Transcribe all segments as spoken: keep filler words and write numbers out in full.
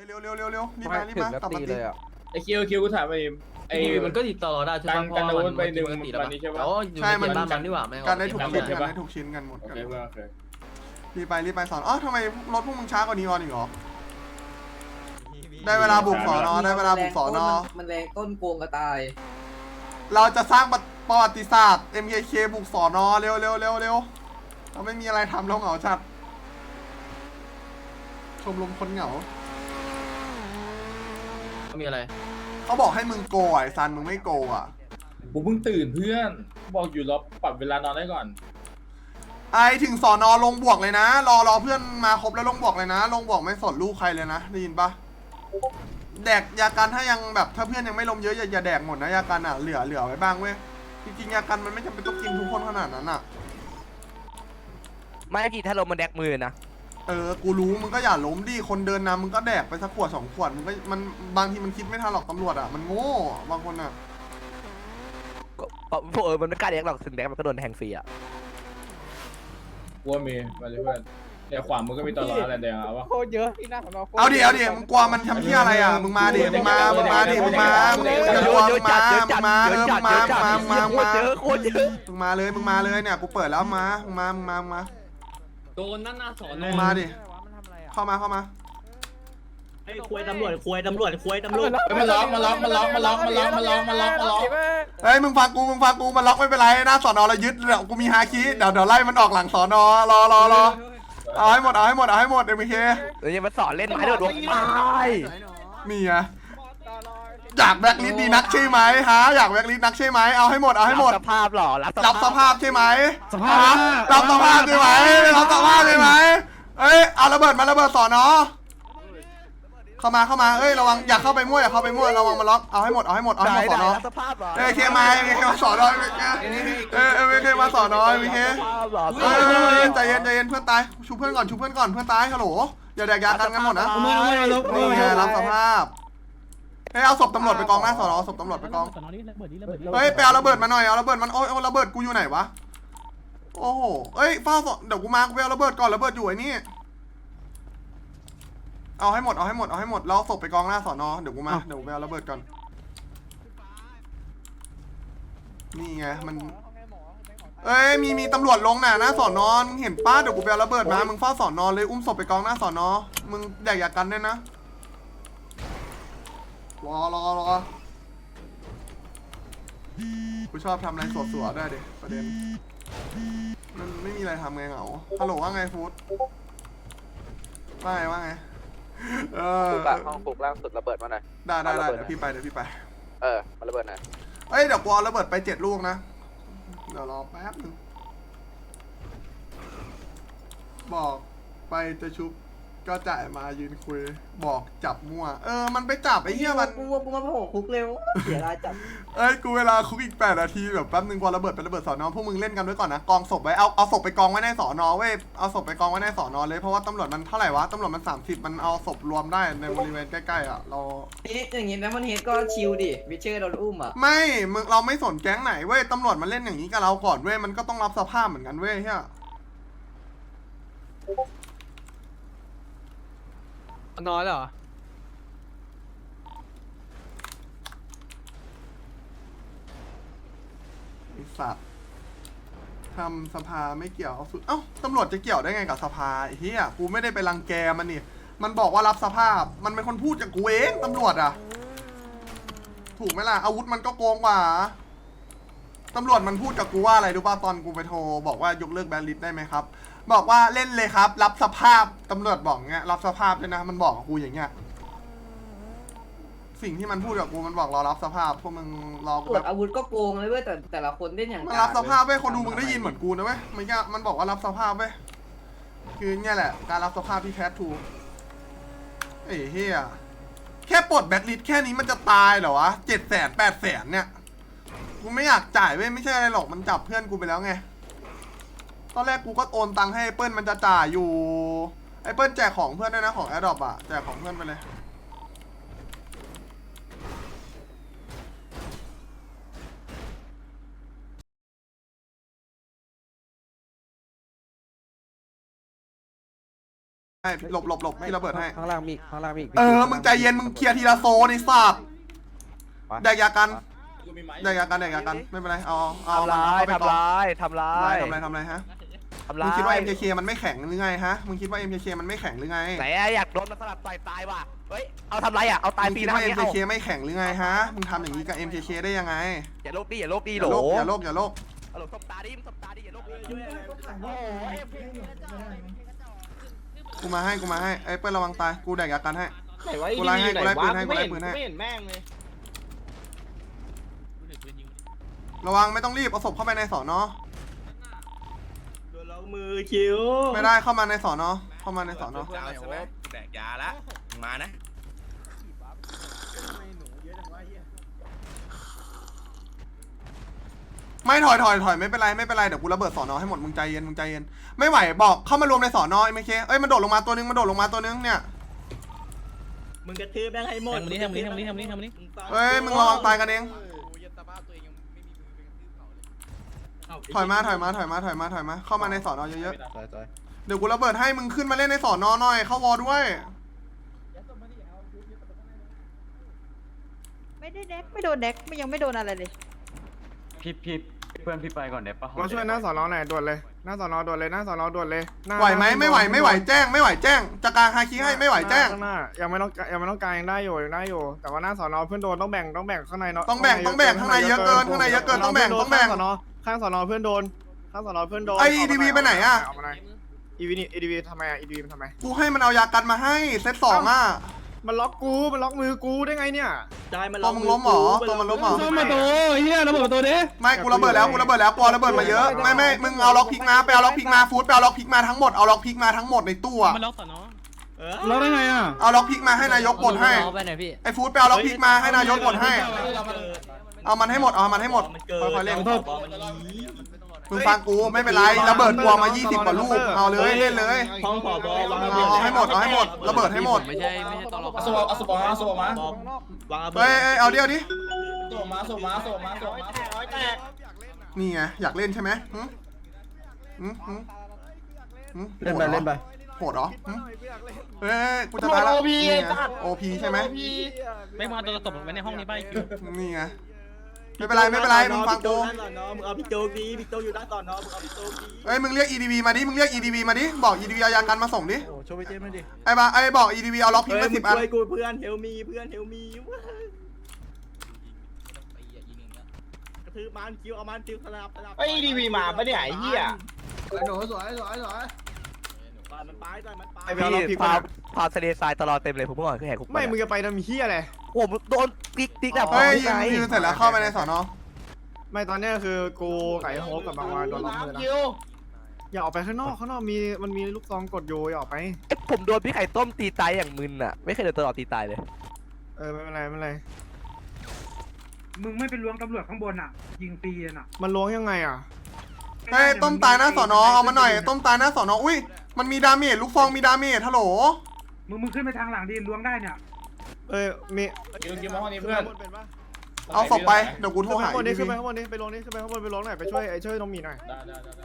เร็วเร็วเร็วเร็วรีบมารีบถึงมาแล้วกลับตีมาเลตียอ่ะไอคิวคิวกูถามไปไอมันก็ติดต่อได้ใช่ไหมการการอาวุธไปหนึ่งติดแล้ววันนี้ใช่ปะอ๋ออยู่ในบ้านมันดีกว่าแม่งการได้ทุกชิ้นใช่กันปะได้ทุกชิ้นกันหมดโอกันเคเพื่อนโอเครีบไปรีบไปสอนอ๋อทำไมรถพวกมึงช้ากว่านี้ออนอีกเหรอได้เวลาบุกสอนอได้เวลาบุกสอนอมันแรงต้นโกงกระต่ายเราจะสร้างประวัติศาสตร์ เอ็ม เค เค บุกสอนอเร็วเร็วเร็วเร็วเราไม่มีอะไรทำเราเหงาชัดชมรมคนเหงามีอะไรเขาบอกให้มึงโกอ่ะไอ้ซันมึงไม่โกอ่ะกูเพิ่งตื่นเพื่อนบอกอยู่รอปรับเวลานอนได้ก่อนไอถึงสอนอลงบวกเลยนะ รอรอเพื่อนมาครบแล้วลงบวกเลยนะ ลงบวกไม่สนลูกใครเลยนะได้ยินปะแดกยากันถ้ายังแบบถ้าเพื่อนยังไม่ลมเยอะอย่าอย่าแดกหมดนะยากันอ่ะเหลือเหลือไว้บ้างเว้ยจริงๆยากันมันไม่จำเป็นต้องกินทุกคนขนาดนั้นอ่ะไม่กี่ถ้าลมมันแดกมือนะเออกูรู้มึงก็อย่าล้มดิคนเดินนำมึงก็แดกไปสักขวดสองขวดมึงก็มันบางทีมันคิดไม่ทันหรอกตำรวจอ่ะมันโง่บางคนอ่ะก็พวกเออมันไม่กล้าแดกหรอกถึงแดกมันก็โดนแทงฟรีอ่ะกลัวมีมาเลยเพื่อนเนี่ยขวามือก็มีตลอดอะไรแดงเอาวะโคตรเยอะที่หน้าของเราเอาดิเอาดิมึงกลัวมันทำที่อะไรอ่ะมึงมาดิมึงมามึงมาดิมึงมามึงจะกลัวมึงมามึงมาเออมึงมามึงมามึงมามึงมาเยอะโคตรเยอะมึงมาเลยมึงมาเลยเนี่ยกูเปิดแล้วมามึงมามึงมามึงมาโดนนั่นหน้าสอนมึงมาดิเข้ามาเข้ามาไอ้ควยตำรวจควยตำรวจควยตำรวจมาล็อกมาล็อกมาล็อกมาล็อกมาล็อกมาล็อกมาล็อกมาล็อกเฮ้ยมึงฟังกูมึงฟังกูมันล็อกไม่เป็นไรหน้าสอนอเรายึดเดี๋ยวกูมีฮาคิเดี๋ยวเดี๋ยวไล่มันออกหลังสอนอรอรอรอเอาให้หมดเอาให้หมดเอาให้หมดเอ็มเคเดี๋ยวยังมาสอนเล่นไม้โดดดวงตายนี่ไงอยากแบล็คลิสต์ดีนักใช่ไหมฮะอยากแบล็คลิสต์นักใช่ไหมเอาให้หมดเอาให้หมดสภาพหรอรับรับสภาพใช่ไหมสภาพรับสภาพใช่ไหมรับสภาพใช่ไหมเอ้ยเอาระเบิดมาระเบิดสอนอเข้ามาเข้ามาเอ้ยระวังอย่าเข้าไปมั่วอย่าเข้าไปมั่วระวังมาล็อกเอาให้หมดเอาให้หมดเอาให้หมดสอนอรับสภาพหรอเอ้ยเคมาเอ้ยเคมาสอนอเอ้ยเอ้ยเอ้ยเคมาสอนอเอ้ยเคสภาพหรอเอ้ยใจเย็นใจเย็นเพื่อนตายชูเพื่อนก่อนชูเพื่อนก่อนเพื่อนตายฮัลโหลอย่าแดกยากันกันหมดนะนี่ไงรับสภาพเฮ้ยเอาศพตำรวจไปกองหน้าสอนอเอาศพตำรวจไปกองเฮ้ยไปเอาระเบิดมาหน่อยเอาระเบิดมันโอ้ยระเบิดกูอยู่ไหนวะโอ้โหเอ้ยเฝ้าศพเดี๋ยวกูมากูไปเอาระเบิดก่อนระเบิดอยู่ไอ้นี่เอาให้หมดเอาให้หมดเอาให้หมดแล้วศพไปกองหน้าสอนอเดี๋ยวกูมาเดี๋ยวกูไปเอาระเบิดก่อนนี่ไงมันเอ้ยมีมีตำรวจลงน่ะหน้าสอนอมึงเห็นป้าเดี๋ยวกูไปเอาระเบิดมามึงเฝ้าสอนอเลยอุ้มศพไปกองหน้าสอนอมึงแดกอยากกันด้วยนะรอรอรอกูชอบทำอะไรสวดๆได้ดิประเด็นมันไม่มีอะไรทำไงเหงาฮัลโหลว่าไงฟูดว่าไงว่าไงเออปลุกอะห้องปลุกล่างสุดระเบิดมาหน่อยได้ได้ได้เดี๋ยวพี่ไปเดี๋ยวพี่ไปเออมาระเบิดหน่อยเอ้ยเดี๋ยวกูเอาระเบิดไปเจ็ดลูกนะเดี๋ยวรอแป๊บนึงบอกไปจะชุบก็จ่ายมายืนคุยบอกจับมั่วเออมันไปจับไอ้เหี้ยมันกูกูมาโผล่คุกเร็วเสียรายจับเอ้ยกูเวลาคุกอีกแปดนาทีแบบแป๊บนึงพอระเบิดไประเบิดสอนอพวกมึงเล่นกันไว้ก่อนนะกองศพไว้เอาเอาศพไปกองไว้ในสอนอเว้ยเอาศพไปกองไว้ในสอนอเลยเพราะว่าตำรวจมันเท่าไหร่วะตำรวจมันสามสิบมันเอาศพรวมได้ในบริเวณใกล้ๆอ่ะเรานี่อย่างงี้นะมันเฮดก็ชิลดิวิเชอร์โดนอุ้มอ่ะไม่มึงเราไม่สนแก๊งไหนเว้ยตำรวจมันเล่นอย่างนี้กับเราก่อนเว้ยมันก็ต้องรับสภาพเหมือนกันเว้ยเฮียนอนเหรอไอสัตว์ทำสภาไม่เกี่ยวเอาสุดเอ้าตำรวจจะเกี่ยวได้ไงกับสภาไอ้เฮียกูไม่ได้ไปรังแกมันนี่มันบอกว่ารับสภาพมันเป็นคนพูดจากกูเองตำรวจอ่ะถูกไหมล่ะอาวุธมันก็โกงกว่าตำรวจมันพูดกับกูว่าอะไรรู้ป่ะตอนกูไปโทรบอกว่ายกเลิกแบนลิสต์ได้ไหมครับบอกว่าเล่นเลยครับรับสภาพตำรวจบอกเงี้ยรับสภาพเลยนะมันบอกกับกูอย่างเงี้ยสิ่งที่มันพูดกับกูมันบอกรอรับสภาพพวกมึงรอตรวจอาวุธก็โกงเลยเว้ยแต่แต่ละคนเล่นอย่างมันรับสภาพเว้ยคนดูมึงได้ยินเหมือนกูนะเว้ยมันก็มันบอกว่ารับสภาพเว้ยคือเนี่ยแหละการรับสภาพที่แท้ทูเอ้ยเฮียแค่ปลดแบตลิสแค่นี้มันจะตายเหรอวะเจ็ดแสนแปดแสนเนี่ยกูไม่อยากจ่ายเว้ยไม่ใช่อะไรหรอกมันจับเพื่อนกูไปแล้วไงตอนแรกกูก็โอนตังค์ให้ไอ้เปิ้ลมันจะจ่ายอยู่ไอ้เปิ้ลแจกของเพื่อนด้วยนะของแอดดอปอะแจกของเพื่อนไปเลยให้หลบหลบหลบพี่ระเบิดให้ข้างล่างมีข้างล่างมีเออมึงใจเย็นมึงเคลียร์ทีละโซนไอ้สัตว์แดกยากันกูมีไม้แดกยากันแดกยากันไม่เป็นไรเอาเอาทำร้ายเอไปทำร้ายทำร้าทำร้ายยทำอะไรทำอะไรฮะทำมึร้าง ยคิดว่า เอ็ม เค เค มันไม่แข็งหรือไงฮะมึงคิดว่า เอ็ม เค เค มันไม่แข็งหรือไงไหนอะอยากโดนมาสลับต่อยตายว่ะเฮ้ยเอาทำไรอะเอาตายมึงฟรีคิดนะว่าเนี้เอ็ยมเอาเค มึงไม่แข็งหรือไงฮะมึงทำอย่างนี้กับ เอ็ม เค เค ได้ยังไงอย่าโลกดิอย่าโลกดิอโหลย่าโลภอย่าโลภอย่าโลภเอาโหลตบตาดิมึงตบตาดิอย่าโลกดิโอ้ยกูมาให้กูมาให้ไอ้เปิ้ลระวังตายกูแดกยากันให้ไหนวะกูไล่ให้กูไล่ปืนให้กูไล่ไม่ปืนให้ไม่เห็นแม่งเลยระวังไม่ต้องรีบเอาศพเข้าไปในสอนอโดนล็อกมือคิวไม่ได้เข้ามาในสอนอเข้ามาในสอนอจะเอาใช่ไหมแดกยาละมึงมานะไม่ถอยถอยถอยไม่เป็นไรไม่เป็นไรเดี๋ยวกูระเบิดสอนอให้หมดมึงใจเย็นมึงใจเย็นไม่ไหวบอกเข้ามารวมในสอนอไอ้ไม่เคเอ้ยมันโดดลงมาตัวนึงมันโดดลงมาตัวนึงเนี่ยมึงกระทืบแม่งให้หมดทำนี้ทำนี้ทำนี้ทำนี้ทำนี้เอ้ยมึงระวังตายกันเองถอยมาถอยมาถอยมาถอยมาถอยมาเข้ามาในสอนอเยอะๆเดี๋ยวกูระเบิดให้มึงขึ้นมาเล่นในสอนอหน่อยเข้าวอด้วยไม่ได้แดกไม่โดนแดกไม่ยังไม่โดนอะไรเลยพี่พี่เพื่อนพี่ไปก่อนเดี๋ยวปะมาช่วยหน้าสอนอหน่อยด่วนเลยหน้าสอนอด่วนเลยหน้าสอนอด่วนเลยน้าไหวไหมไม่ไหวไม่ไหวแจ้งไม่ไหวแจ้งจะกลางฮาคิให้ไม่ไหวแจ้งข้างหน้ายังไม่ต้องยังไม่ต้องการยังได้อยู่ยังได้อยู่ แต่ว่าหน้าสอนอเพื่อนโดนต้องแบ่งต้องแบ่งข้างในเนาะต้องแบ่งต้องแบ่งข้างในเยอะเกินข้างในเยอะเกินต้องแบ่งต้องแบ่งข้างสอนอข้างสอนอเพื่อนโดนข้างสอนอเพื่อนโดนไอ้ อี ดี วี ไปไหนอะเอามาหน่อยอีวีนี่อีดีวีทำไมอ่ะอีดีวีมันทำไมกูให้มันเอายากันมาให้เซตสองอ่ะมันล็อกกูมันล็อกมือกูได้ไงเนี่ยได้มันตัวมึงล้มเหรอตัวมันล้มเหรอซ่อมมาโตเฮียระเบิดประตูดิไม่กูระเบิดแล้วกูระเบิดแล้วกูเอาระเบิดมาเยอะไม่ไม่มึงเอาล็อกพิกมาไปเอาล็อกพิกมาฟูดไปเอาล็อกพิกมาทั้งหมดเอาล็อกพิกมาทั้งหมดในตู้อะมันล็อกต่อเนาะล็อกได้ไงอ่ะเอาล็อกพิกมาให้นายกปลดให้เอาไปไหนพี่ไอ้ฟูดไปเอาล็อกพิกมาให้นายกปลดให้ เอามันให้หมดเอามันให้หมดมันเกินค่อยๆเล่นขอโทษมึงฟังกูไม่เป็นไรระเบิดกลัวมายี่สิบกว่าลูกเอาเลยเล่นเลยห้องผอบอวางเอาเอาให้หมดเอาให้หมดระเบิดให้หมดไม่ใช่ไม่ใช่ตลอดเอาสวเอาสวมาเอาสวมาวางระเบิเฮ้ยดเอ้ยเอาเดียวดิสวมาสวมาสวมาสวมานี่ไงอยากเล่นใช่ไหมหึหึหึหึเล่นไปเล่นไปโหดเหรอหึเฮ้ยกูจะตายแล้วนี่ไงโอพีใช่ไหมไม่มาตัวตบไว้ในห้องนี้ไปนี่ไงไม่เป็นไรไม่เป็นไรมึงฟังกูพี่โจ๊กหน้าสอนอมึงเอาพี่โจ๊กดีพี่โจ๊กอยู่หน้าสอนอมึงเอาพี่โจ๊กดีเอ้ยมึงเรียก อี ดี วี มาดิมึงเรียก อี ดี วี มาดิบอก อี ดี วี เอายากันมาส่งดิโอ้ช่วยไปเจมส์หน่อยดิไอ้บ้าไอ้บอก อี ดี วี เอาล็อกพิกเฮ้ยมามึสิงบอันช่วยกูเพื่อนเฮลมีเพื่อนเฮลมีกระทืบมันคิวเอามันคิวสลับสลับไอ้ดีวีมาปะเนี่ยไอ้เหี้ยปล่อยมันไปปล่อยมันไปไอ้เบลเราพลิพี่กพามาพาทะเลทรายตลอดเต็มเลยผมเมื่อก่อนคือแหกคุกไม่มึงจะไปทำเหี้ยอะไรผมโดนติ๊กติ๊กแบบเฮ้ยไงยืนยืนเสร็จแล้วเข้าไปในสอนอไม่ตอนเนี้ยคือกูไก่โฮปกับบางวานโดนล็อกมือนะอย่าออกไปข้างนอกข้างนอกมีมันมีลูกซองกดอยู่อย่าออกไปเอ้ยผมโดนพี่ไข่ต้มตีตายอย่างมึนอ่ะไม่เคยโดนตลอดตีตายเลยเออไม่เป็นไรไม่เป็นไรมึงไม่เป็นล้วงตำรวจข้างบนอ่ะ ยิงฟรีน่ะมันล้วงยังไงอ่ะเฮ้ยต้มตายหน้าสอนอเอามาหน่อยต้มตายหน้าสอนออุ้ยมันมีดาเมจลูกฟองมีดาเมจฮัลโหลมึงมึงขึ้นไปทางหลังดิล้วงได้เนี่ยเอ้ยมีคิวคิวมาห้องนี้เพื่อนเอาศพไปเดี๋ยวกูโทรขึ้นไปหาข้างบนอีนี้ดีขึ้นวีไปข้างบนนี้ไปลงนี้ขึ้นไปข้างบนไปลงหน่อยไปช่วยไอ้ช่วยน้องหมีหน่อยได้ได้ได้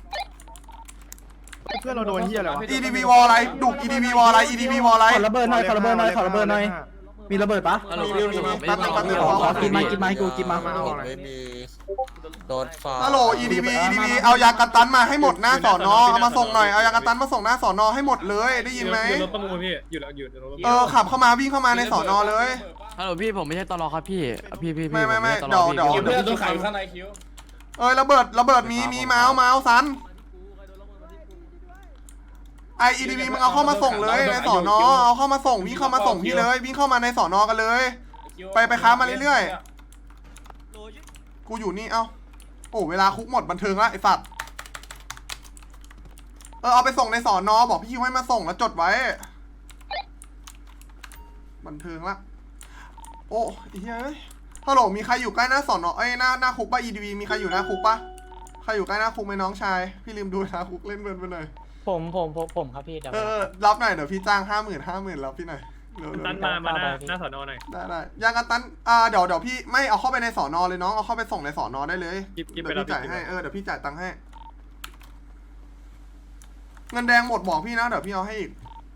เพื่อนเราโดนเหี้ยอะไรวะอีดีวีวอลอะไรดุก อี ดี วี วอลอะไร อี ดี วี วอลอะไรขอระเบิดหน่อยขอระเบิดหน่อยขอระเบิดหน่อยมีระเบิดปะมีมีมีแป๊บนึงแป๊บนึงขอขอกินมากินมาให้กูกินมาไม่มีโดนฟาฮัลโหล อี ดี วี อี ดี วี เอายากันตันมาให้หมดหน้าสอนอเอามาส่งหน่อยเอายากันตันมาส่งหน้าสอนอให้หมดเลยได้ยินไหมอยู่รถประมูลพี่อยู่แล้วอยู่รถประมูลเออขับเข้ามาวิ่งเข้ามาในสอนอเลยฮัลโหลพี่ผมไม่ใช่ตลอดครับพี่พี่พี่ไม่ไม่ไม่เดี๋ยวเดี๋ยวคิวเพื่อนโดนขายอยู่ข้างในคิวเอ้ยระเบิดระเบิดมีมีเมาส์เมาส์ซันไอ อี ดี วี มึงเอาเข้ามาส่งเลยในสอนอเอาเข้ามาส่งวิ่งเข้ามาส่งพี่เลยวิ่งเข้ามาในสอนอกันเลย ไปไปค้ามาเรื่อยๆกูอยู่นี่เอ้าโอ้เวลาคุกหมดบันเทิงละไอสัตว์เออเอาไปส่งในสอนอบอกพี่คิวให้มาส่งแล้วจดไว้บันเทิงละโอ้ไอ้เฮ้ยฮัลโหลมีใครอยู่ใกล้หน้าสอนอเอ้ยหน้าหน้าคุกป่ะ อี ดี วี มีใครอยู่หน้าคุกป่ะใครอยู่ใกล้หน้าคุกไหมน้องชายพี่ลืมดูนะคุกเล่นเบิร์นไปหน่อยผมผมผมผมครับพี่เออรับหน่อยเดี๋ยวพี่จ้างห้าหมื่นห้าหมื่นรับพี่หน่อยเร็วๆตันมามาหน้าหน้าสอนอหน่อยได้ได้ยางกันตันอ่าเดี๋ยวเดี๋ยวพี่ไม่เอาเข้าไปในสอนอเลยน้องเอาเข้าไปส่งในสอนอได้เลยกิ๊บกิ๊เดี๋บยวไปพี่จ่ายรับให้เออเดี๋ยวพี่จ่ายตังค์ให้ เงินแดงหมดบอกพี่นะเดี๋ยวพี่เอาให้อีก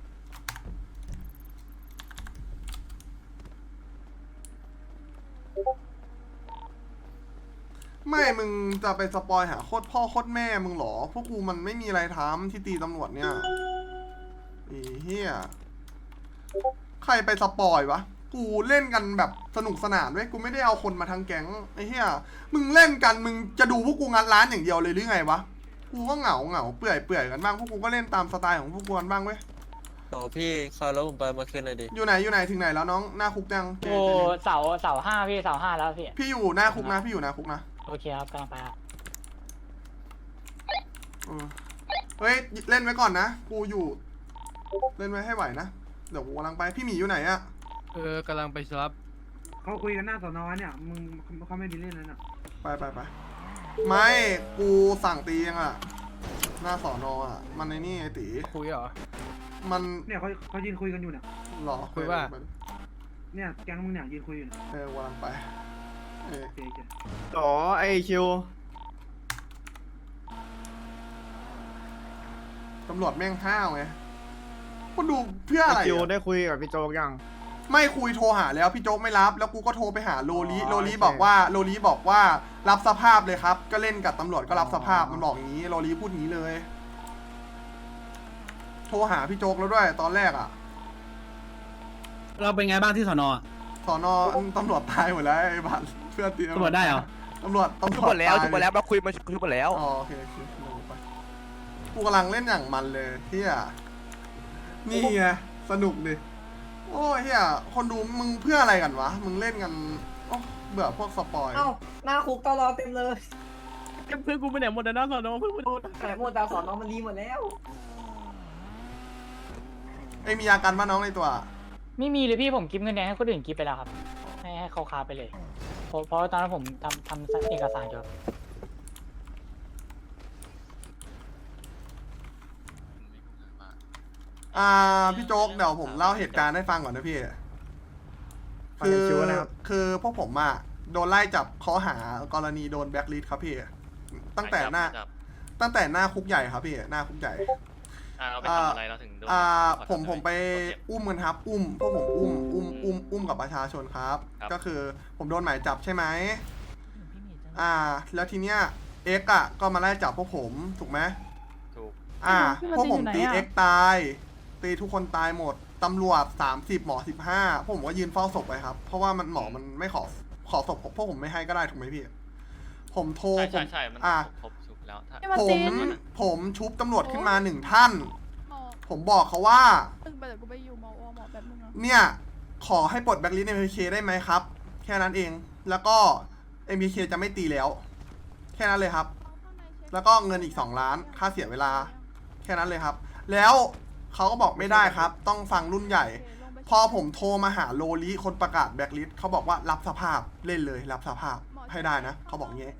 ไม่มึงจะไปสปอยหาโคตรพ่อโคตรแม่มึงเหรอพวกกูมันไม่มีอะไรทำที่ตีตำรวจเนี่ยไอ้เหี้ยใครไปสปอยวะกูเล่นกันแบบสนุกสนานเว้ยกูไม่ได้เอาคนมาทั้งแก๊งไอ้เหี้ยมึงเล่นกันมึงจะดูพวกกูงัดร้านอย่างเดียวเลยหรือไงวะกูก็เหงาเหงาเปื่อยเปื่อยกันบ้างพวกกูก็เล่นตามสไตล์ของพวกกูกันบ้างเว้ยโอ้พี่คอยแล้วผมไปมาคืนหน่อยดิอยู่ไหนอยู่ไหนถึงไหนแล้วน้องหน้าคุกยังโอ้เสาเสาห้าพี่เสาห้าแล้วพี่พี่อยู่หน้าคุกนะพี่อยู่หน้าคุกนะโอเคครับกำลังไปครับเออเฮ้ยเล่นไว้ก่อนนะกูอยู่เล่นไว้ให้ไหวนะเดี๋ยวกูกำลังไปพี่หมีอยู่ไหนอะเออกำลังไปรับเขาคุยกันหน้าสอนอเนี่ยมึงเขาไม่มีเล่นแล้วน่ะไปไปไปไม่กูสั่งตียังอะหน้าสอนออะมันในนี่ไอตีคุยเหรอมันเนี่ยเขาเขายืนคุยกันอยู่เนี่ยหรอคุยว่าเนี่ยแก๊งมึงเนี่ยยืนคุยอยู่เนี่ยเออวางไปเออโอเคโอเคอ๋อไอคิวตำรวจแม่งห้าวไงกูดูเพื่อไออะไรคิวอะได้คุยกับพี่โจ๊กยังไม่คุยโทรหาแล้วพี่โจ๊กไม่รับ แล้วกูก็โทรไปหาโลลีอ๋อโลลีโอเคบอกว่าโลลีบอกว่ารับสภาพเลยครับ ก็เล่นกับตำรวจก็รับสภาพอ๋อมันบอกอย่างนี้โลลีพูดอย่างนี้เลย โทรหาพี่โจ๊กแล้วด้วยตอนแรกอ่ะเราเป็นไงบ้างที่สอนอสอนอตำรวจตายหมดแล้วไอ้บัตรเพื่อนตีตำรวจได้เหรอตำรวจตำรชุวบจหมดแล้วตายชุบหมดแล้วเราคุยมาชุบหมดแล้วอ๋อโอเคโอเคลงไปกูกำลังเล่นอย่างมันเลยเฮียนี่ไงสนุกดิโอ้ยเฮียคนดูมึงเพื่ออะไรกันวะ มึงเล่นกันโอ้เบื่อพวกสปอยเอ้าหน้าคุกตลอเต็มเลยเพื่อนกูไปไหนหมดนะสอนอเพื่อนกูโดนแต่หมดแต่สอนอมันดีหมดแล้วไอ้ยมียากันป่ะน้องในตัวไม่มีเลยพี่ผมกิฟเงินแดงให้คนอื่นกิฟไปแล้วครับ ให้ให้เขาคาไปเลย เพราะเพราะตอนนั้นผมทำทำเอกสารอยู่ครับอ่าพี่โจ๊กเดี๋ยวผมเล่าเหตุการณ์ให้ฟังก่อนนะพี่ฟังคือในคิวนะครับคือพวกผมอะโดนไล่จับข้อหากรณีโดนแบล็คลิสต์ครับพี่ ตั้งแต่หน้า ตั้งแต่หน้าคุกใหญ่ครับพี่หน้าคุกใหญ่อ่าเราไปอ่าทำอะไรเราถึงโดนอ่าขอผมทำผมไปอะไรอุ้มกันครับ อุ้มพวกผมอุ้มอุ้มอุ้มอุ้มกับประชาชนครับครับก็คือผมโดนหมายจับใช่ไหมอ่า แล้วทีเนี้ยเอ็กอะก็มาไล่จับพวกผมถูกไหมถูกอ่าพี่พวกผมมาตีตีอยู่ไหนอะเอ็กตาย ตีทุกคนตายหมด ตำรวจสามสิบหมอสิบห้าพวกผมก็ยืนเฝ้าศพไปครับ เพราะว่ามันหมอมันไม่ขอขอศพพวกผมไม่ให้ก็ได้ถูกไหมพี่ ผมโทรใช่ผใช่มใช่มันอ่าครบสุกแล้วถ้าพี่มาผตีมผมชุบตำรวจขึ้นมาหนึ่งท่าน ผมบอกเขาว่าตึงไปเดี๋ยวกูไปอยู่มอวหมอแบบมึงอะเนี่ย ขอให้ปลดแบ็คลิสต์ เอ็ม พี เค ได้ไหมครับ แค่นั้นเอง แล้วก็ เอ็ม พี เค จะไม่ตีแล้ว แค่นั้นเลยครับ แล้วก็เงินอีกสองล้านค่าเสียเวลา แค่นั้นเลยครับ แล้วเขาก็บอกไม่ได้ครับ ต้องฟังรุ่นใหญ่ พอผมโทรมาหาโลลีคนประกาศแบ็คลิสต์เขาบอกว่ารับสภาพเล่นเลยรับสภาพให้ได้นะเขาบอกงี้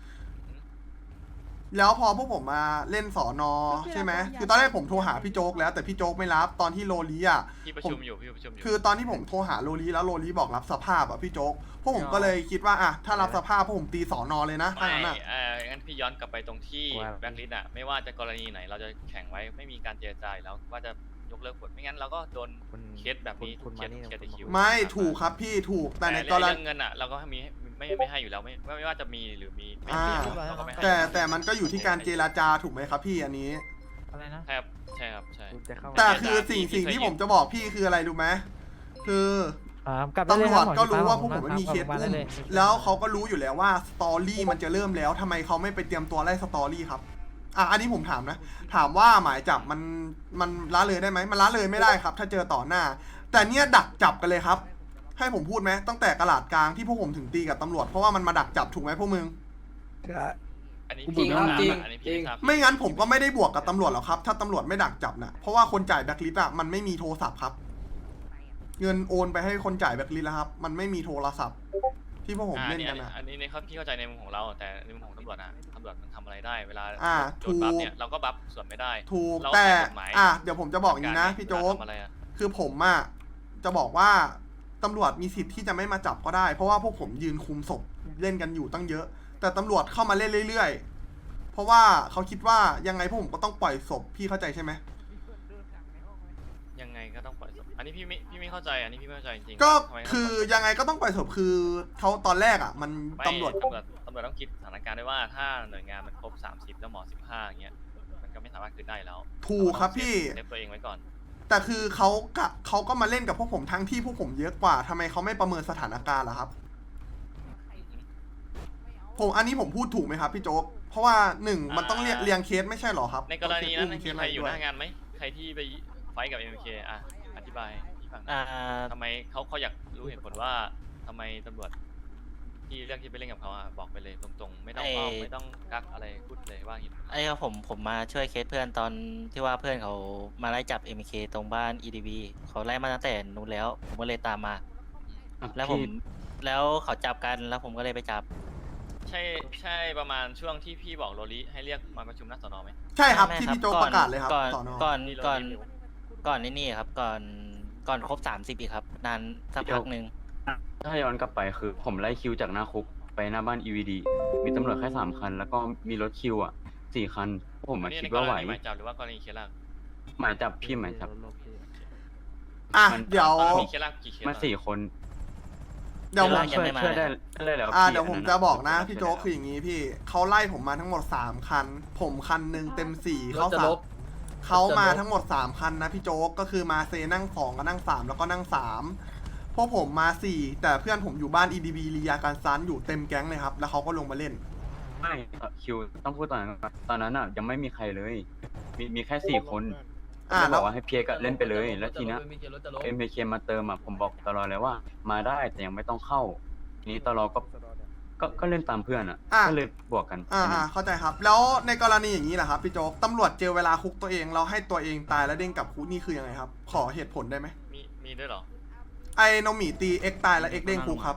แล้วพอพวกผมมาเล่นสอนอใช่ไหมคือตอนแรกผมโทรหาพี่โจ๊กแล้วแต่พี่โจ๊กไม่รับตอนที่โลลีอ่ะพี่ประชุมอยู่พี่ประชุมอยู่คือตอนที่ผมโทรหาโลลีแล้วโลลีบอกรับสภาพอ่ะพี่โจ๊กพวกผมก็เลยคิดว่าอ่ะถ้ารับสภาพพวกผมตีสอนอเลยนะถ้าไม่งั้นอ่ะเอองั้นพี่ย้อนกลับไปตรงที่ว่าแบงค์ลิสต์อะไม่ว่าจะกรณีไหนเราจะแข่งไว้ไม่มีการเจรจาอยู่แล้วว่าจะยกเลิกผลไม่งั้นเราก็โดนคุณเคสแบบนี้คุณเคสมานี่เคสคุณคิวไม่ถูกครับพี่ถูกแต่ในกรเรื่ณีองเงินอะเราก็มีไม่ไม่ให้อยู่แล้วไม่ไม่ว่าจะมีหรือมีไม่อ่ามีเราก็ไม่ให้แต่แต่มันก็อยู่ที่การเจรจาถูกไหมครับพี่อันนี้อะไรนะใช่ครับใช่ครับใช่คุณจะเข้ามาแต่คือสิ่งสิ่งที่ผมจะบอกพี่คืออะไรรู้ไหมคือกลับตำรวจก็รู้ว่าพวกผมไม่มีเคสอุ้มแล้วเขาก็รู้อยู่แล้วว่าสตอรี่มันจะเริ่มแล้วทำไมเขาไม่ไปเตรียมตัวไล่สตอรี่ครับอ่ะอันนี้ผมถามนะ ถามว่าหมายจับมันมันละเลยได้ไหมมันละเลยไม่ได้ครับ ถ้าเจอต่อหน้า แต่เนี่ยดักจับกันเลยครับ ให้ผมพูดไหมตั้งแต่กระลาดกลางที่พวกผมถึงตีกับตำรวจเพราะว่ามันมาดักจับถูกไหมพวกมึงอันนี้จริงครับจริงอันนี้จริพี่งทราบไม่งั้นผมก็ไม่ได้บวกกับตำรวจหรอกครับ ถ้าตำรวจไม่ดักจับนะเพราะว่าคนจ่ายแบ็คลิสต์อะมันไม่มีโทรศัพท์ครับ เงินโอนไปให้คนจ่ายแบ็คลิสต์แล้วครับ มันไม่มีโทรศัพท์ ที่พวกผมอ่าเล่นนี่กันนะอันนี้ในครับพี่เข้าใจในมุมของเรา แต่ในมุมของตำรวจอะตำรวจมันทำอะไรได้เวลาอ่าโดนบัฟถูกเนี่ยเราก็บัฟส่วนไม่ได้ถูกเราแต่ใช้กฎหมายอ่ะเดี๋ยวผมจะบอกอย่างนี้นะพี่โจ๊กเวลาทำอะไรอะคือผมอะจะบอกว่าตำรวจมีสิทธิ์ที่จะไม่มาจับก็ได้ เพราะว่าพวกผมยืนคุมศพเล่นกันอยู่ตั้งเยอะ แต่ตำรวจเข้ามาเล่นเรื่อยๆ เพราะว่าเขาคิดว่ายังไงพวกผมก็ต้องปล่อยศพพี่เข้าใจใช่ไหมยังไงก็ต้องปล่อยศพอันนี้พี่ไม่พี่ไม่เข้าใจอันนี้พี่ไม่เข้าใจจริงๆก็ทำไมต้งคือปล่ยศพยังไงก็ต้องปล่อยศพคือเขาตอนแรกอะมันไม่ตำรวจตำรวจตำรวจต้องคิดสถานการณ์ด้วยว่าถ้าหน่วยงานมันครบสามสิบแล้วหมอสิบห้าอย่างเงี้ยมันก็ไม่สามารถคืนได้แล้วถูกครับพี่เซฟตัวเองไว้ก่อนแต่คือเขากะเขาก็มาเล่นกับพวกผมทั้งที่พวกผมเยอะกว่าทำไมเขาไม่ประเมินสถานการณ์ล่ะครับ ผมอันนี้ผมพูดถูกไหมครับพี่โจ๊ก เพราะว่าหนึ่งมันต้องเรียงเรียงเคสไม่ใช่หรอครับในกรณีนั้นต้องมีเคสใครอยู่หด้วน้างานไหมใครที่ไปไฟท์กับ เอ็ม เค อ่ะอธิบายให้ฟังหน่อยอ่าทำไมเขาเขาอยากรู้เหตุผลว่าทำไมตำรวจที่เลือกที่ไปเล่นกับเขาอ่ะบอกไปเลยตรงๆ ไม่ต้องอ้อมไม่ต้องกักอะไรพูดเลยว่าเหตุผลไอ้ครับผมผมมาช่วยเคสเพื่อนตอนที่ว่าเพื่อนเขามาไล่จับ เอ็ม เค ตรงบ้าน อี ดี บี เขาไล่มาตั้งแต่นู้นแล้ว ผมก็เลยตามมา แล้วผมแล้วเขาจับกันแล้วผมก็เลยไปจับใช่ใช่ประมาณช่วงที่พี่บอกโรลิให้เรียกมาประชุมหน้าสนไหมใช่ครับไม่ที่ไม่พี่โจ๊กก่ปอนระกาศเลยครับก่อนสอนอก่อนที่เราก่อนรีวิวก่อนนี่นี่ครับ ก่อนก่อนครบสามสิบอีกครับ นานสักพักหนึ่งถ้าย้อนกลับไปคือ ผมไล่คิวจากหน้าคุกไปหน้าบ้าน อี วี ดี มีตำรวจแค่สามคัน แล้วก็มีรถคิวอ่ะสี่คัน ผมมานี่คิในดกว่าร ไหวณีหมายจับหรือว่ากรณีเคสล่างหมายจับพี่หมายจับอ่ะมันเดี๋ยวตอนนั้นมีเคสล่างกี่เคสมาอะสี่คนเดี๋ยวผมยังช่วยไม่มาช่วยได้ได้แล้วอ่าพี่เดี๋ยวผมนนั้นจะบอกนะช่วยพี่โจ๊กได้คืออย่างนี้พี่เขาไล่ผมมาทั้งหมดสามคัน ผมคันหนึ่งเต็มสี่เขาสามเขามาทั้งหมดสามคันนะพี่โจ๊กก็คือมาเซนั่งสองก็นั่งสามแล้วก็นั่งสามพวกผมมาสี่แต่เพื่อนผมอยู่บ้าน อี ดี บี ลียาการซันอยู่เต็มแก๊งเลยครับแล้วเขาก็ลงมาเล่นไม่เอ่อคิวต้องพูดตอนนั้นก่อนตอนนั้นอ่ะยังไม่มีใครเลย มีมีแค่สี่คนอ่าแล้วแล้บวอกว่าให้เพียกอะเล่นไปเลย แล้วทีเนี้ยเอ็มเคมาเติมอ่ะผมบอกตลอดเลยว่า มาได้แต่ยังไม่ต้องเข้าทีนี้ตลอดก็ก็ก็เล่นตามเพื่อนอ่ะอ่ะก็เลยบวกกันอ่าอ่าเข้าใจครับ แล้วในกรณีอย่างนี้แหละครับพี่โจ๊กตำรวจเจอเวลาคุกตัวเองเราให้ตัวเองตายแล้วเด้งกลับคุกนี่คือยังไงครับ ขอเหตุผลได้ไหมมีมีด้วยเหรอไอ้โนหมีตีเอ็กตายแล้วเอ็กเด้งคุกครับ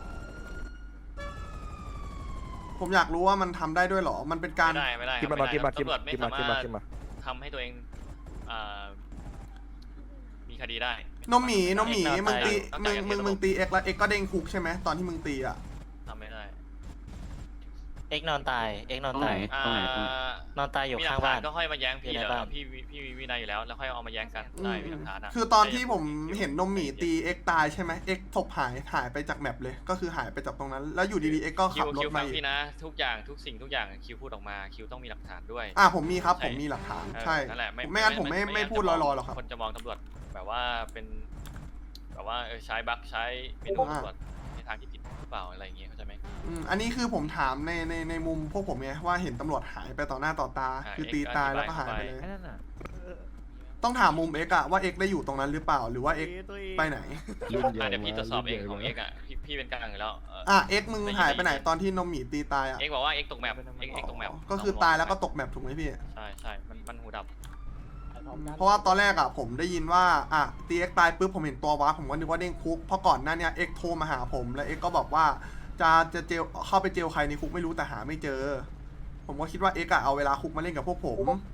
ผมอยากรู้ว่ามันทำได้ด้วยเหรอมันเป็นการไม่ได้ไม่ได้กินมาครับกินมาไได้กินตำรมาวจไม่กินสามากินมารมาถกินมาทำให้ตัวเองอ่ามีคดีได้โนหมีโนหมีเอ็กซ์มึงตีต้องมึจ่ายงเงินมึงเดือนมึงตีเอ็กแล้วเอ็กก็เด้งคุกใช่ไหมตอนที่มึงตีอ่ะทำไม่ได้เอ็กนอนตาย เอ็กนอนตรงไหนตายตรงไหนตรงไหนอ่านอนตายอยู่มีหลัข้าก งฐาบ้าน นก็ค่อยมาแย้งพี่อยู่ในเดี๋ยวบ้านพี่พี่มีวินัยอยู่แล้วแล้วค่อยเอามาแย้งกันอืได้มมีหลักฐานอะคือตอนที่ผมเห็นโนหมีตีเอ็กตายใช่ไหมเอ็กศพหายหายไปจากแมปเลย ก็คือหายไปจากตรงนั้น แล้วอยู่ดีๆเอ็กก็คิขัวบรคิถวมาฟังอีกพี่นะ ทุกอย่างทุกสิ่งทุกอย่างคิวพูดออกมาคิวต้องมีหลักฐานด้วยอ่าผมมีครับใช่ผมมีหลักฐานเออใช่นั่นแหละไม่งั้นผมไม่ไม่พูดลอยๆหรอกครับคนจะมองตำรวจแบบว่าเป็นแบบว่าเออใช้บั๊กใช้เมนูตำรวจในทางที่ผิดหรือเปล่าอะไรอย่างเงี้ยเข้าใจไหมอืมอันนี้คือผมถามในในในมุมพวกผมไงว่าเห็นตำรวจหายไปต่อหน้าต่อตาอ่าคือเอ็กซ์ตีตายอธิบายแล้วก็หายไปเลยไอ้นั่นน่ะต้องถามมุมเอ็กอะว่าเอ็กได้อยู่ตรงนั้นหรือเปล่าหรือว่าเอ็กไปไหนอ่ะเดี๋ยวพี่ตรวจสอบเองของเอ็กอ่ะพี่พี่เป็นกลางอยู่แล้วเอออ่ะเอ็กมึงหายไปไหนตอนที่นมหมีตีตายอะเอ็กบอกว่าเอ็กตกแมปเอ็กเอ็กตกแมปก็คือตายแล้วก็ตกแมปถูกไหมพี่ใช่ใช่มันมันหูดับเพราะว่าตอนแรกอะผมได้ยินว่าอ่ะตีเอ็กตายปุ๊บผมเห็นตัววาร์ปผมก็นึกว่าเด้งคุกเพราะก่อนหน้าเนี้ยเอ็กโทรมาหาผมแล้วเอ็กก็บอกว่าจะจะเจลเข้าไปเจลใครในคุกไม่รู้แต่หาไม่เจอ ผมก็คิดว่าเอ็กอะเอาเวลาคุกมาเล่นกับพวกผม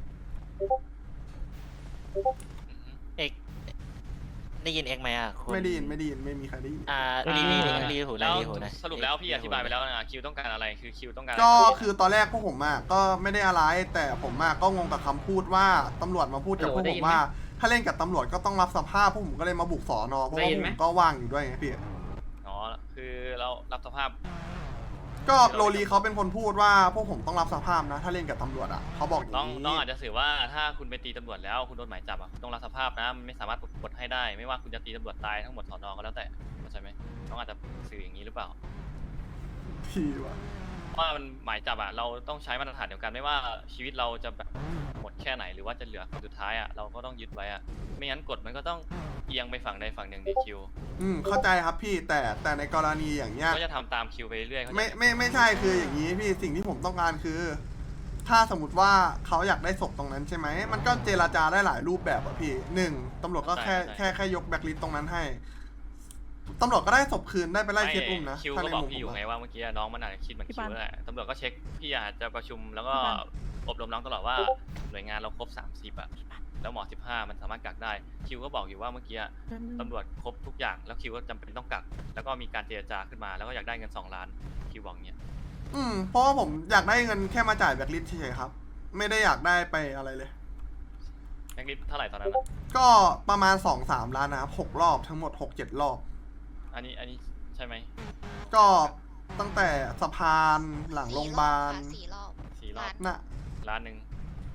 เอ็กได้ยินเอ็กไหมอ่ะคุณไม่ได้ยินไม่ได้ยินไม่มีใครได้ยินอ่ารีรีรีรีหูนะแล้วรีหูนะสรุปแล้วพี่อธิบายไปแล้วนะคิวต้องการอะไรคือคิวต้องการก็คือตอนแรกพวกผมอะก็ไม่ได้อะไรแต่ผมอะก็งงกับคำพูดว่าตำรวจมาพูดกับพวกผมว่า ถ้าเล่นกับตำรวจก็ต้องรับสภาพพวกผมก็เลยมาบุกสอนอเพราะว่าผมก็ว่างอยู่ด้วยไงพี่อ๋อคือเรารับสภาพก็โรลีเขาเป็นคนพูดว่าพวกผมต้องรับสภาพนะ ถ้าเล่นกับตำรวจอะเขาบอกอย่างน้องนี้น้องอาจจะสื่อว่าถ้าคุณไปตีตำรวจแล้วคุณโดนหมายจับอ่ะคุณต้องรับสภาพนะมันไม่สามารถปลดให้ได้ ไม่ว่าคุณจะตีตำรวจตายทั้งหมดสอนอก็แล้วแต่เข้าใจไหมน้องอาจจะสื่ออย่างนี้หรือเปล่าพี่วะเพราะว่ามันหมายจับอ่ะเราต้องใช้มาตรฐานเดียวกันไม่ว่าชีวิตเราจะแบบหมดแค่ไหนหรือว่าจะเหลือคนสุดท้ายอ่ะเราก็ต้องยึดไว้อ่ะไม่งั้นกฎมันก็ต้องเอียงไปฝั่งใดฝั่งหนึ่งในคิวอืมเข้าใจครับพี่แต่แต่ในกรณีอย่างเงี้ยก็จะทำตามคิวไปเรื่อยๆเข้าใจไม่ไหมไม่ไม่ใช่คืออย่างนี้พี่สิ่งที่ผมต้องการคือ ถ้าสมมติว่าเขาอยากได้ศพตรงนั้นใช่ไหมมันก็เจราจาได้หลายรูปแบบอะพี่หนึ่งตำรวจก็แค่แค่แค่ยกแบ็คลิสต์ตรงนั้นให้ตำรวจก็ได้ศพคืนได้ไปไล่เคสอุ้มนะคิวถ้าก็ในบอกมุมพี่ผอยู่มไงอะว่าเมื่อกี้น้องมันอาจจะคิดเหมือนคิวแหละตำรวจก็เช็คพี่อาจจะประชุมแล้วก็อบรมน้องตลอดว่าหน่วยงานเราครบสามสิบอ่ะแล้วหมอสิบห้ามันสามารถกักได้คิวก็บอกอยู่ว่าเมื่อกี้ตำรวจครบทุกอย่างแล้วคิวก็จำเป็นต้องกักแล้วก็มีการเจรจาขึ้นมาแล้วก็อยากได้เงินสองล้านคิวบอกเงี้ยอืมเพราะว่าผมอยากได้เงินแค่มาจ่ายแบ็คลิสต์เฉยๆครับ ไม่ได้อยากได้ไปอะไรเลยแบงค์ลิสเท่าไหร่ตอนนั้นอะก็ประมาณสองสามล้านนะครับหกรอบทั้งหมดหกเจ็ดรอบอันนี้อันนี้ใช่ไหมก็ตั้งแต่สะพานหลังโรงพยาบาลสี่รอบสี่รอบน่ะล้านหนึ่ง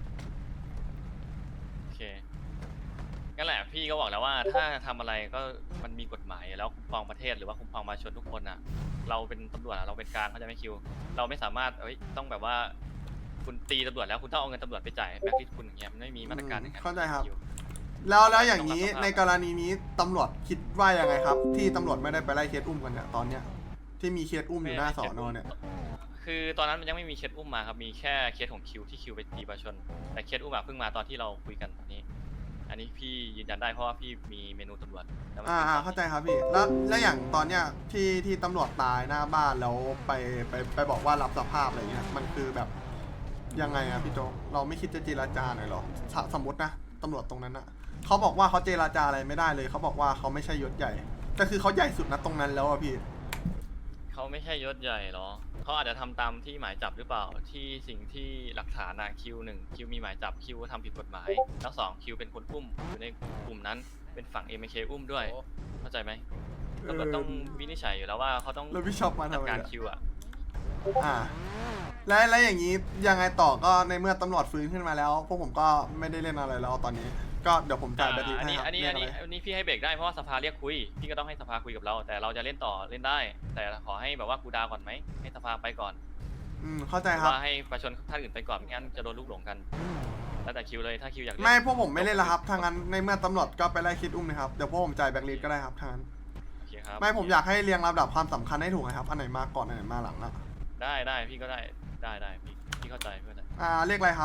โอเคงั้นแหละพี่ก็บอกแล้วว่าถ้าทำอะไรก็มันมีกฎหมายแล้วคุ้มครองประเทศหรือว่าคุ้มครองประชาชนทุกคนอ่ะ เราเป็นตำรวจอะเราเป็นกลางเขาใจะไม่คิว เราไม่สามารถเอ้ยต้องแบบว่า คุณตีตำรวจแล้วคุณต้องเอาเงินตำรวจไปจ่ายแบบที่คุณอย่างเงี้ยมันไม่มีมาตรการอย่างนั้นเข้าใจครับคิวแล้วแล้วอย่างนี้ต้องรับสภาพในกรณีนี้ตำรวจคิดว่ายังไงครับ ที่ตำรวจไม่ได้ไปไล่เคสอุ้มกันเนี่ยตอนเนี้ยที่มีเคสอุ้มอยู่หน้าสอนอเนี่ยคือตอนนั้นมันยังไม่มีเคสอุ้มมาครับมีแค่เคสของคิวที่คิวไปตีประชาชนแต่เคสอุ้มอะเพิ่งมาตอนที่เราคุยกันตอนนี้ อันนี้พี่ยืนยันได้เพราะว่าพี่มีเมนูตำรวจแล้วมันอ่าป็นอ่าตอนเข้าใจครับพี่แล้วแล้วอย่างตอนเนี้ยที่ที่ตำรวจตายหน้าบ้านแล้วไปไปไปบอกว่ารับสภาพอะไรเงี้ยมันคือแบบยังไงอะพี่โจ๊กเราไม่คิดจะเจรจาหน่อยหรอสสมมตินะตำรวจตรงนั้นอะเขาบอกว่าเขาเจรจาอะไรไม่ได้เลยเขาบอกว่าเขาไม่ใช่ยศใหญ่แต่คือเขาใหญ่สุดนะตรงนั้นแล้วอะพี่เขาไม่ใช่ยศใหญ่หรอเขาอาจจะทำตามที่หมายจับหรือเปล่าที่สิ่งที่หลักฐานอะคิวหนึ่งคิวมีหมายจับคิวทำผิดกฎหมายแล้วสองคิวเป็นคนอุ้มอยู่ในกลุ่มนั้นเป็นฝั่ง เอ็ม เค อุ้มด้วยเข้าใจไหมตำรวจต้องวินิจฉัยอยู่แล้วว่าเขาต้องแล้วพี่ชอบมาจัทำดไมการอะคิวอะอ่าแล้วแล้วอย่างนี้ยังไงต่อก็ในเมื่อตำรวจฟื้นขึ้นมาแล้วพวกผมก็ไม่ได้เล่นอะไรแล้วตอนนี้ ก็เดี๋ยวผมจ่ายแบตเตอรี่อันให้นี้ครับอันนี้เรียอักนอะไรนี้อันนี้พี่ให้เบรกได้เพราะว่าสภาเรียกคุยพี่ก็ต้องให้สภาคุยกับเรา แต่เราจะเล่นต่อเล่นได้ แต่ขอให้แบบว่ากูดาวก่อนไหมให้สภาไปก่อนอืมเข้าใจหรือครับว่าให้ประชาชนท่านอื่นไปก่อนไม่งั้นจะโดนลูกหลงกันแล้วแต่คิวเลยถ้าคิวอยากเล่นไม่พวกผมไม่เล่นแล้วครับทางนั้นในเมื่อตำรวจก็ไปไล่คิดอุ้มนะครับเดี๋ยวพวกผมจ่ายแบงค์ลิสก็ได้ครับทางนั้นโอเคครับไม่ผมอยากให้เรียงลำดับความสำคัญให้ถูกนะครับอันไหนมาก่อนอันไหนมาหลังนะได้ได้พี่ก็ได้ได้ได้พี่พี่เข้าใจพี่เข้าใจอ่าเรียกอะไรครับ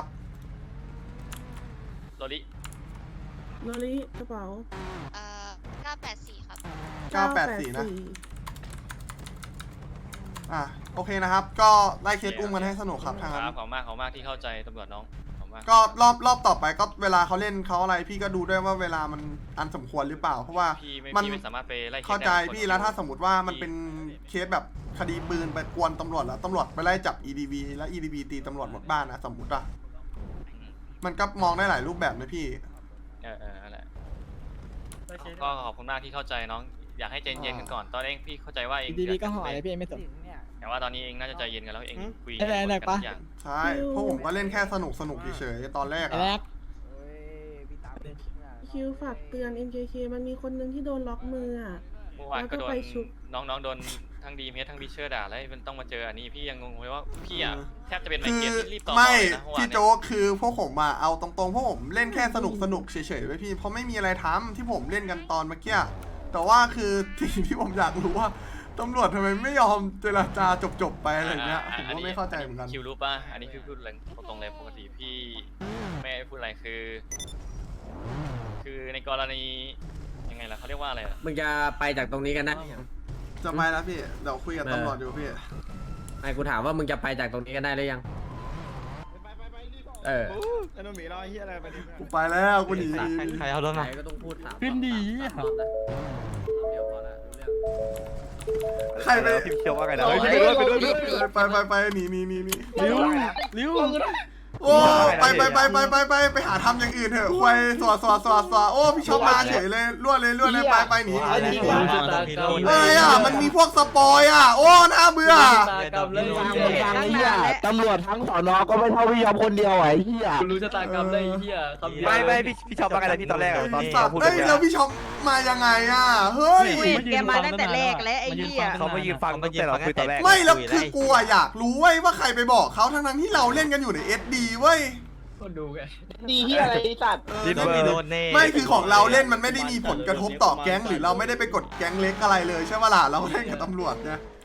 โรลิโนริกระเป๋าเอ่อเก้าแปดสี่ครับเก้าแปดสี่นะอ่าโอเคนะครับ ก็ไล่เคสอุ้มกันให้สนุกครับทางคนั้นรับขอบคุณมากขอบคุณมากที่เข้าใจตำรวจน้องขอบคุณมากก็รอบรอบต่อไปก็เวลาเขาเล่นเขาอะไรพี่ก็ดูด้วยว่าเวลามันอันสมควรหรือเปล่า เพราะว่าพี่ไม่มันพี่ไม่สามารถไปไล่คสเข้าใจได้พี่แล้วถ้าสมมติว่ามันเป็นเคสแบบคดีปืนไปกวนตำรวจแล้วตำรวจไปไล่จับ อี ดี วี แล้ว อี ดี วี ตีตำรวจหมดบ้านนะสมมติอะอืมมันก็มองได้หลายรูปแบบนะพี่เออเออนั่นแหละก็ขอบคุณมากที่เข้าใจน้องอยากให้ใจเย็นกันก่อนตอนเองพี่เข้าใจว่าเองดีเดืดีอดก็ห่อเลยพี่ไม่สนแต่ว่าตอนนี้เองน่าจะใจเย็นกันแล้วเองคุยได้ได้ได้กันปะทุกอย่างใช่เพราะผมก็เล่นแค่สนุกสนุกเฉยๆตอนแรกไอ้อะแรกคิวฝากเตือน เอ็ม เค เค มันมีคนนึงที่โดนล็อกมืออ่ะเมื่อวานก็โดแล้วก็นไปชุบน้องๆโดนทั้งดีเมสทั้งบิเชอร์ด่าแล้วมันต้องมาเจออันนี้พี่ยังงงเลยว่าพี่อ่ะแทบจะเป็นไมคืเกรอนที่รีบต่อไม่เลยนะเมื่อวานพี่เนี่ยโจ๊กคือพวกผมมาเอาตรงๆพวกผมเล่นแค่สนุกสนุกเฉยๆไว้พี่เพราะไม่มีอะไรทำที่ผมเล่นกันตอนเมื่อกี้แต่ว่าคือสิ่งที่ผมอยากรู้ว่าตำรวจทำไมไม่ยอมเจรจาจบๆไปอะไรเงี้ยผมก็ไม่เข้าใจเหมือนกันคิวรู้ป่ะอันนี้พี่พูดเลยตรงๆเลยปกติพี่ไม่ได้พูดอะไรคือ คือในกรณียังไงล่ะเขาเรียกว่าอะไรอะมึงจะไปจากตรงนี้กันนะจะไปแล้วพี่เดี๋ยวคุยกับตำรวจอยู่พี่ไอ้กูถามว่ามึงจะไปจากตรงนี้กันได้หรือยัง เออไอ้โนมีเราไอ้เหี้ยอะไรไปดิกูไปแล้วกูหนีใครเอารถมาก็ต้องพูดถามขึ้นดีเดี๋ยวพอละรู้เรื่องใครไปพี่เชื่อว่าไงนะไปเฮ้ยไปไปด้วยไปด้วยไปไปไปหนีหนีหนีหนีลิ้วลิ้วโอ้ไปไปไปไปไปไปไปหาทำอย่างอื่นเถอะควายสวดสวดสวดสวดโอ้พี่ชอบมาเฉยเลยล้วนเลยล้วนเลยไปไปหนีอะไรอ่ะมันมีพวกสปอยอ่ะโอ้น่าเบื่อตำรวจทั้งสอนอก็ไม่เท่าพี่ยอมคนเดียวไอ้เหี้ยรู้ชะตากรรมเลยไอ้เหี้ยคำเดียวไม่ไม่พี่พี่ชอบว่าไงนะพี่ตอนแรกอะตอนที่สัตเขาว์พูดเอ้ยแล้วพี่ชอบมายังไงอ่ะเฮ้ยแกมาตั้งแต่แรกแล้วไอ้เหี้ยเขามายืนฟังตั้งแต่เราคุยตอนแรกไม่แล้วคือกูอะอยากรู้เว้ยว่าใครไปบอกเขาทั้งนั้นที่เราเล่นกันอยู่ใน เอส ดี เว้ยคนดูไงดีที่อะไรสัตว์เออดินเบอร์ไม่คือของเราเล่นมันไม่ได้มีผลกระทบต่อแก๊งหรือเราไม่ได้ไปกดแก๊งเล็กอะไรเลยใช่ปะล่ะเราเล่นกับตำรวจเนี่ย